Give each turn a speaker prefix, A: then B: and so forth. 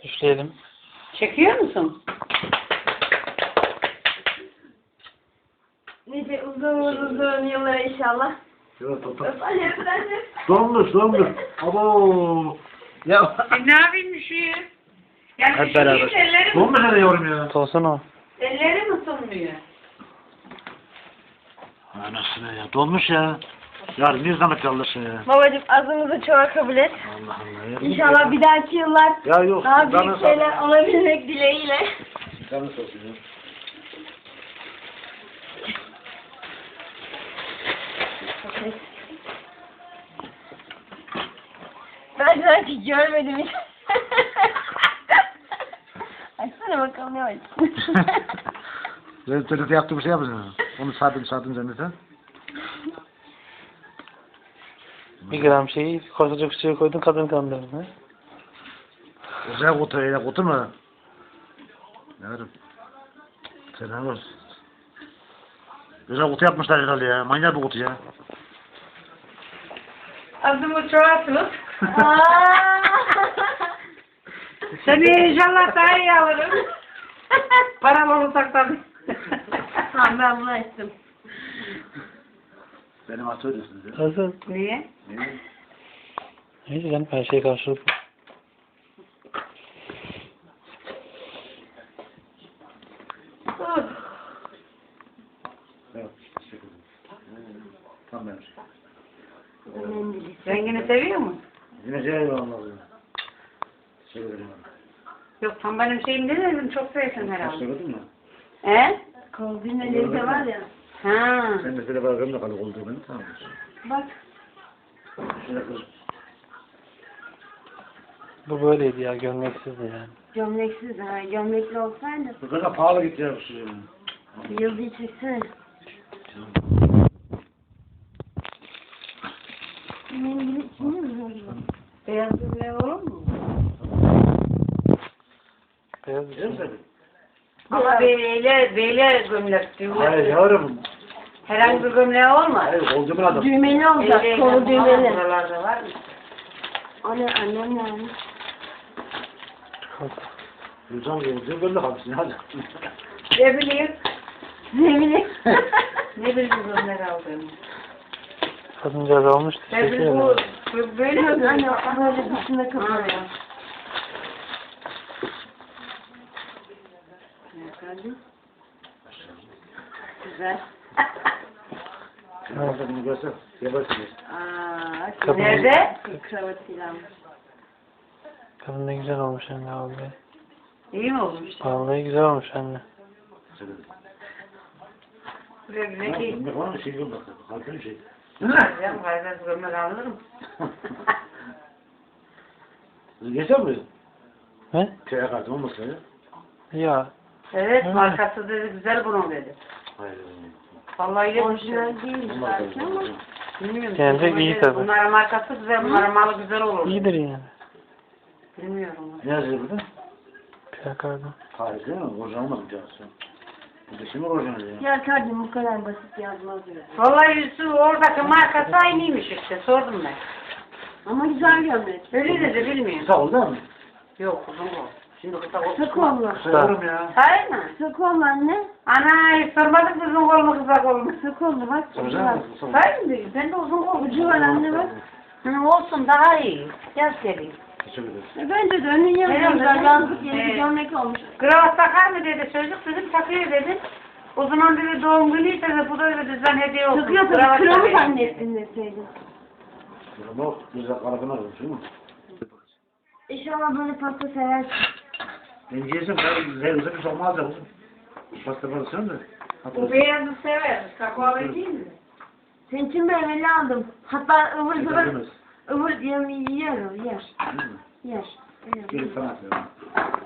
A: Üfleyelim.
B: Çekiyor musun?
C: Nice uzun yıllar inşallah.
D: Evet,
C: Efendim.
D: Dondur. Abo. Ya.
B: Ne yapayım şu ya? Yani
A: Hep beraber.
B: Ellerim,
D: Donmuş ne yavrum ya?
A: Olsun o.
B: ellerim ısınmıyor.
D: Anasını ya. Donmuş ya. Yarın bir zahmet kaldırsın ya.
C: Babacım azımızı çoğa kabul et.
D: Allah Allah ya.
C: İnşallah bir dahaki yıllar
D: Ya yok.
C: daha büyük şeyler olabilmek dileğiyle.
D: Canı sağ olsun ya.
C: Ben sanki görmedim hiç. Açsana bakalım ne var.
D: Ben TRT yaptığım şey yapacağım. Onu sardım zanneten.
A: 1 gram şeyi koşacak suya koydun kadın kandırdın ha?
D: Güzel kutu öyle kutu mu? Yavrum. Selam olsun. Güzel kutu yapmışlar herhalde ya. Manyak bir kutu ya.
B: Adımı çoğaltılıp. Seni inşallah daha iyi alırım. Param olursak tabii.
C: Tamam ben bunu açtım.
D: Benim atıyorsunuz ya.
A: Hazır.
B: Niye?
D: Niye?
A: Neyse canım her şey karşılık.
D: Evet. Teşekkür ederim. Tam benim şey.
B: Rengini seviyor musun?
D: Yine şey olmaz ya. Teşekkür ederim.
B: Yok tam benim şeyim değil dedim çok sevsin herhalde.
D: Gördün mü?
B: He?
C: Kovdun elinde var ya.
B: Ha.
D: Sen de şöyle bırakayım da kalık olduğu beni tamam.
C: Bak.
D: Şöyle kız.
A: Bu böyleydi ya gömleksizdi yani.
C: Gömleksiz ha. Gömlekli olsaydı.
D: Bu kadar pahalı gitti ya bu şey.
C: Yıldızı çeksene. Mendili içinde mi var?
B: Beyaz gömleği olur mu?
A: Beyaz bir
D: Biliyor
A: şey.
D: musun?
B: Ama beyle gömlek diyor.
D: Hayır yavrum.
B: Herhangi bir gömleği olmaz.
D: Hayır kolcumun adı.
C: Düğmeli olacak.
B: Elle
C: Kolu
B: yapamam,
C: düğmeli.
B: Buralarda var mı?
C: Annem yani.
D: Gülcan kolcuğu böyle kalmışsın hadi.
B: Ne bileyim.
C: Ne bileyim.
B: Ne bileyim gömlek aldığımı.
A: Kadıncağız almıştı.
B: Ne
A: Çekiyor
B: bileyim
A: yani.
B: bu böyle mi?
C: Anne böyle dışında kalıyor.
B: Güzel.
D: Nerede bunu görsen yaparsın.
A: Kadın-
B: Nerede?
C: Kravatıyla.
A: Kadın ne güzel olmuş anne abi.
B: İyi mi olmuş?
A: Vallahi güzel olmuş anne.
B: Güle güle giy.
D: Ne var mı şey yok bak. Kalkın şey.
B: Canım gayrı gömlek alırım.
D: Geçer mi?
A: He?
D: Köye kalktım olmasın ya.
A: Ya.
B: Evet
A: Evet.
B: markası dedi güzel bunun dedi.
D: Hayır.
B: Vallahi öyle bir şey.
C: Orijinal değil
D: Olmaz
C: belki ama.
B: Bilmiyorum.
A: Bence
B: Bunun
A: iyi
B: dedi,
A: tabii.
B: Bunların markası güzel, bunların malı güzel olur.
A: İyidir yani.
B: Bilmiyorum.
D: Ne yazıyor burada?
A: Plakarda.
D: Hayır değil mi? Orijinal olmadı cansı. Bu da şimdi orijinal ya.
C: Ya kardeşim bu kadar basit yazmaz ya.
B: Vallahi Yusuf oradaki markası aynıymış işte sordum ben.
C: Ama güzel gömlek.
B: Öyle dedi bilmiyorum.
D: Kısa oldu değil mi?
B: Yok uzun kol. Şimdi kısa kol.
C: Kısa kollu.
D: Kısa ya.
B: Hayır mı?
C: Kısa kollu anne.
B: Ana hiç sormadık uzun kol mu kısa kol mu?
C: Kısa kollu bak.
D: Soracağım mı? Kısa oldu.
B: Hayır mı? Ben de uzun kol.
C: Ucu var anne bak.
B: Hı, olsun daha iyi. Yaz geleyim.
D: Teşekkür ederim.
C: Bence de önün yanında güzel yazlık yeni bir
B: Evet.
C: gömlek olmuş.
B: Kravat takar mı dedi çocuk dedim takıyor dedim. O zaman dedi doğum günüyse de bu da öyle düzen hediye olsun.
C: Takıyor tabii.
B: Kravat
C: Kralı
B: takayım dedi.
C: zannettin deseydin.
D: Ama güzel karakını almış değil mi?
C: İnşallah böyle pasta seversin.
D: Ben yiyeceğim. Ben güzel bir şey olmaz da. Pasta parasını da.
B: Bu beyazı sever. Kakaolu değil mi?
C: Senin için meyveli aldım. Hatta ıvır zıvır.
D: Güzel.
C: Yer o yer. Yer.
D: Gelin sana atıyorum.